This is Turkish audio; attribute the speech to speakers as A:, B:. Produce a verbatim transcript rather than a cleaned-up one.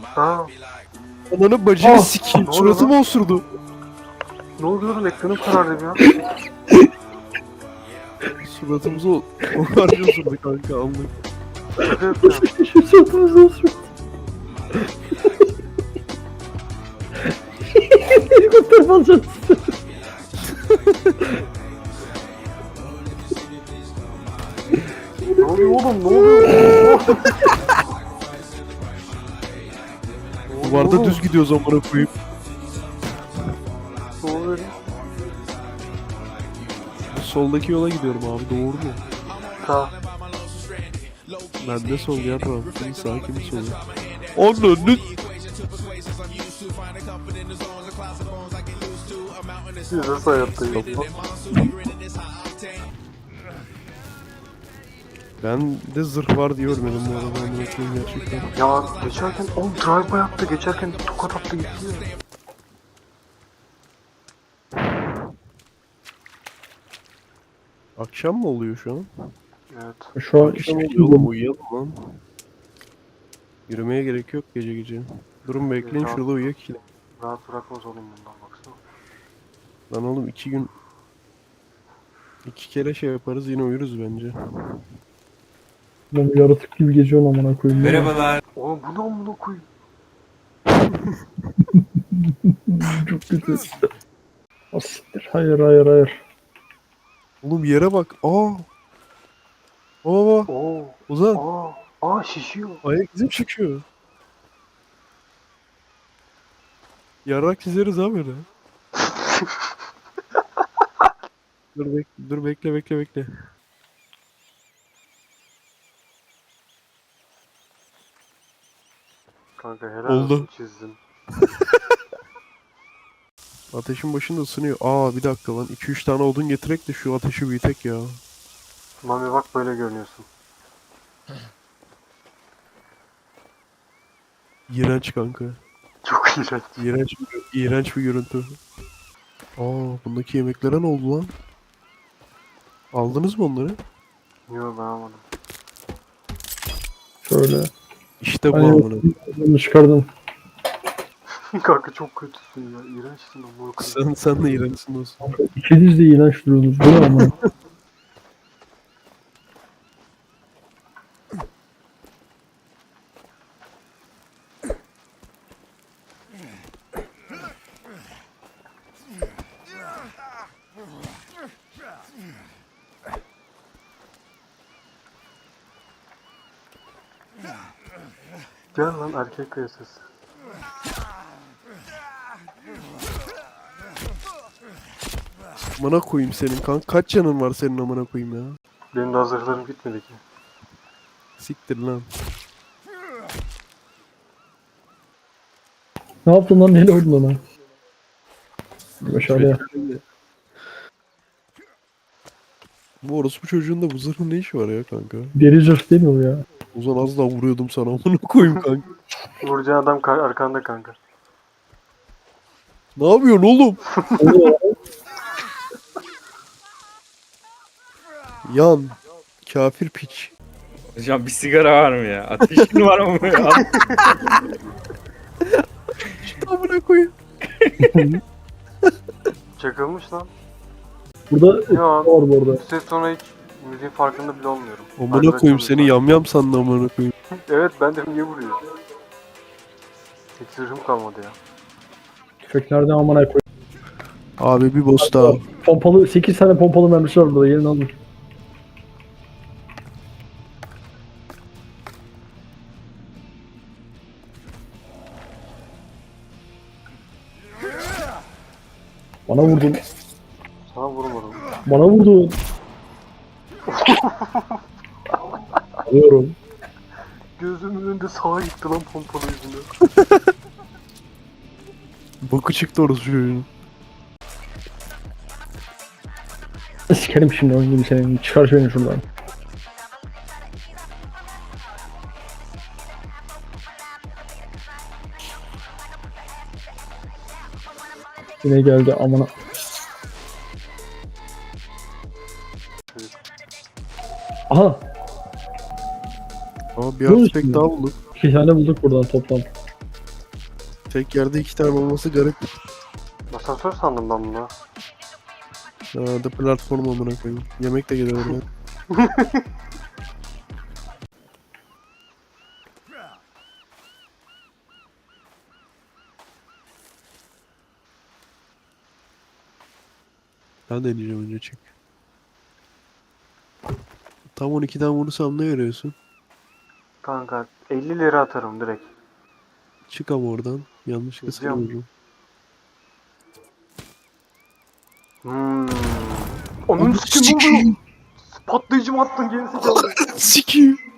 A: Ha,
B: Ananın bacını
C: Ah!
B: sikeyim.
A: Ne oluyor
B: Suratımı osurdu.
A: ne oluyor lan, ekranım karardı ya.
B: Suratımızı o harcı osurdu kanka anlık.
A: Şaka yapacağım.
C: Şu sırtımızda osurdu. Helikopter alacağız.
A: Ne oluyor oğlum, ne oluyor?
B: Duvarda düz gidiyoruz amına koyayım.
A: Ne oluyor?
B: Soldaki yola gidiyorum abi, doğru mu?
A: Sağ.
B: Ben de sol ya, tamam. Kimin sağ kimin sol. Ananı.
A: Biz nasıl hayattayız?
B: Ben de zırh var diye ölmedim bu arada, amına koyayım gerçekten.
A: Ya geçerken o drive by yaptı, geçerken tokat attı gitti ya.
B: Akşam mı oluyor şu an?
A: Evet.
C: Şu an
B: Akşam oluyor oğlum, uyuyalım lan. Yürümeye gerek yok gece gece. Durun bekleyin,
A: Ya.
B: şurada uyuyak ki.
A: Rahat bırakmaz oğlum bundan, baksana.
B: Lan oğlum iki gün... iki kere şey yaparız, yine uyuruz bence.
C: ben yaratık gibi geziyorum amına koyayım.
D: Merhabalar.
A: Oğlum bu ne amına koyayım?
C: Çok kötü. Asiktir. Hayır hayır hayır.
B: Oğlum yere bak. Aa. Baba.
A: Oo.
B: Ozan.
A: Aa. Aa şişiyor.
B: Ayak izim çıkıyor. Yarrak çizeriz abi öyle. dur, bek dur bekle bekle bekle.
A: Kanka helal
B: Oldu.
A: olsun, çizdin.
B: Ateşin başında ısınıyor. Aa bir dakika lan. iki üç tane odun getirek de şu ateşi büyütek ya.
A: Mami bak, böyle görünüyorsun.
B: İğrenç kanka.
A: Çok iğrenç.
B: İğrenç bir, iğrenç bir görüntü. Aa bundaki yemeklere ne oldu lan? Aldınız mı onları?
A: Yok, ben almadım.
C: Şöyle.
B: İşte bu
C: Hani
B: amına.
C: bunu çıkardım.
A: Kanka çok kötüsün ya. İğrençsin amına koyayım.
B: Sen, sen de iğrençsin dostum.
C: İkiniz de iğrenç duruyorsunuz. Bu ne amına?
A: Gel lan erkek kıyasası.
B: Amına koyayım senin kanka. Kaç canın var senin amına koyayım ya?
A: Benim de hazırlarım bitmedi ki.
B: Siktir lan.
C: Ne yaptın lan? Neyle oynadın lan? Aşağıya.
B: Bu orospu çocuğun da bu zırhın ne işi var ya kanka?
C: Deri zırh değil mi o ya?
B: Ozan az daha vuruyordum sana amına koyayım kanka.
A: Vuracağın adam ka- arkanda kanka.
B: Ne yapıyorsun oğlum? Yan. Kafir piç.
D: Hocam bir sigara var mı ya? Ateşin var mı?
B: Amına koyayım.
A: Çakılmış lan.
C: Burada
A: Ya
C: var bu arada.
A: bu ses sonra hiç müziğin farkında bile olmuyorum.
B: Amına koyayım seni yamyam sandı amına koyayım.
A: Evet, ben de niye vuruyor? Hiç zırhım kalmadı ya.
C: Tüfek nereden amına koy.
B: Abi bir boss daha.
C: Pompalı sekiz tane pompalı mermisi var burada. Gelin alın. Bana vurdun.
A: Sana vurmadım.
C: Bana vurdun. Alıyorum.
A: Gözümün önünde sağa gitti lan pompalı yüzünden.
B: Boku çıktı orası çocuğun.
C: Sikerim şimdi oyun gibi senin. Çıkar şu beni şuradan. Yine geldi amına. Aha.
B: Aa bir
C: Ne
B: artifact
C: oldu?
B: daha bulduk.
C: İki tane bulduk buradan toplam.
B: Tek yerde iki tane olması garip.
A: Asansör sandım ben bunu.
B: Ha, da platform amına koyayım. Yemek de gelir oraya. Ben deneyeceğim önce çık. Tam on ikiden vurursam ne veriyorsun?
A: Kanka elli lira atarım direkt.
B: Çık ama oradan. Yanlışlıkla seni
A: Gideceğim.
B: vururum.
A: Hmm. Onun sikim ne oluyor? Patlayıcı mı attın gerisi kaldı.
B: Sikiyim.